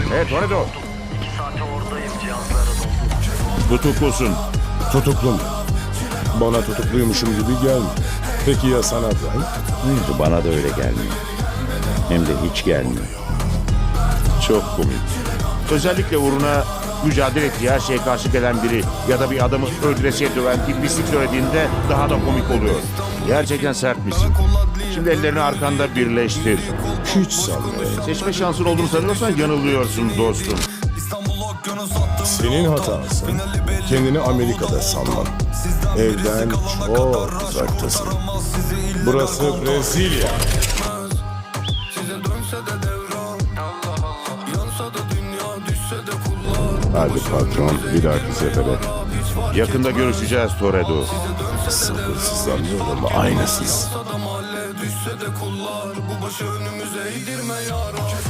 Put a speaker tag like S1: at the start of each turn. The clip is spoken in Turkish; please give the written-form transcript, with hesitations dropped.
S1: Evet Toretto.
S2: 2 saate oradayım, cihazlara doldu.
S3: Tutuklusun.
S4: Tutuklu mu? Bana tutukluymuşum gibi gelmiyor. Peki ya sana Brian?
S3: Bana da öyle gelmiyor. Hem de hiç gelmiyor.
S1: Çok komik. Özellikle uğruna mücadele ettiği her şeye karşı gelen biri ya da bir adamı öldüresiye döven bir pislik söylediğinde daha da komik oluyor. Gerçekten sertmişsin. Şimdi ellerini arkanda birleştir.
S4: Hiç sanmıyorum.
S1: Seçme şansın olduğunu sanıyorsan yanılıyorsun dostum.
S4: Senin hatasın. Kendini Amerika'da sanman. Evden çok uzaktasın. Burası Brezilya. Hadi patron, bir dahaki sefere.
S1: Yakında görüşeceğiz Toretto.
S4: Sabırsızlanıyorum, aynısız.
S5: Bu başı önümüze eğdirme yarım.